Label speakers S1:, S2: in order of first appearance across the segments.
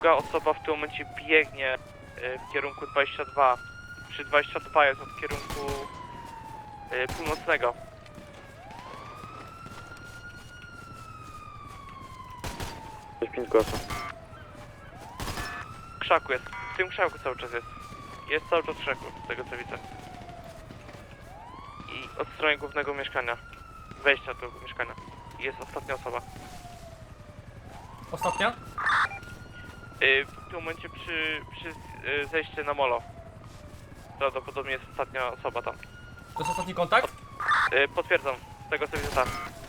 S1: Druga osoba w tym momencie biegnie w kierunku 22. Przy 22 jest od kierunku północnego.
S2: Jest 5 głosów.
S1: W krzaku jest. W tym krzaku cały czas jest. Jest cały czas w krzaku, z tego co widzę. I od strony głównego mieszkania. Wejścia do tego mieszkania. Jest ostatnia osoba.
S3: Ostatnia?
S1: W tym momencie przy zejściu na molo. Prawdopodobnie jest ostatnia osoba tam.
S3: To jest ostatni kontakt?
S1: Potwierdzam, z tego co widzę tak.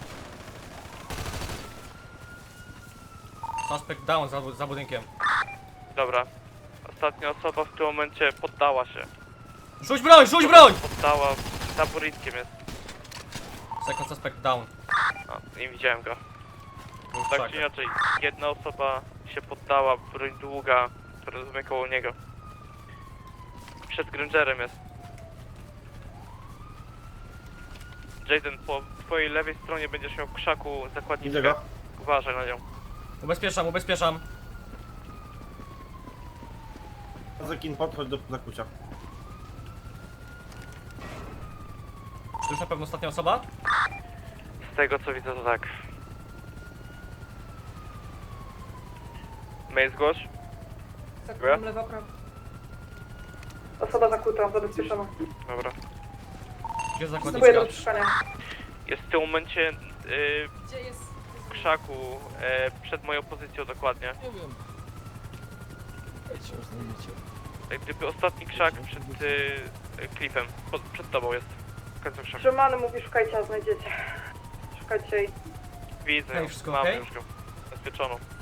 S3: Suspect down za budynkiem.
S1: Dobra. Ostatnia osoba w tym momencie poddała się.
S3: Rzuć broń, rzuć broń!
S1: Poddała, za burritkiem jest.
S3: Second suspect down.
S1: A, nie widziałem go.
S3: Był w
S1: Tak
S3: krzakach.
S1: czy inaczej, jedna osoba się poddała, broń długa, rozumiem koło niego. Przed Grangerem jest. Jaden, po twojej lewej stronie będziesz miał w krzaku zakładniczkę.
S2: Widzę go.
S1: Uważaj na nią.
S3: Ubezpieczam, ubezpieczam.
S2: Zakin, podchodź do zakucia.
S3: Czy to już na pewno ostatnia osoba?
S1: Z tego co widzę to tak. Mail zgłoś.
S4: Zakładam lewo, prawo. Osoba zakuta, zabezpieczona.
S1: Dobra.
S3: Gdzie jest
S4: Wstępuję do
S3: zakładniczka?
S4: odczyszczania.
S1: Jest w tym momencie
S4: Gdzie jest?
S1: w krzaku, przed moją pozycją dokładnie.
S5: Nie wiem. Dajcie, już znajdziecie.
S1: Jak gdyby ostatni krzak przed klifem. Przed tobą jest. W końcu krzaku.
S4: Trzymany mówi, szukajcie, a znajdziecie. Szukajcie jej.
S1: Widzę
S3: Hej,
S1: ją.
S3: wszystko
S1: Mamy
S3: okej?
S1: już go. Zabezpieczoną.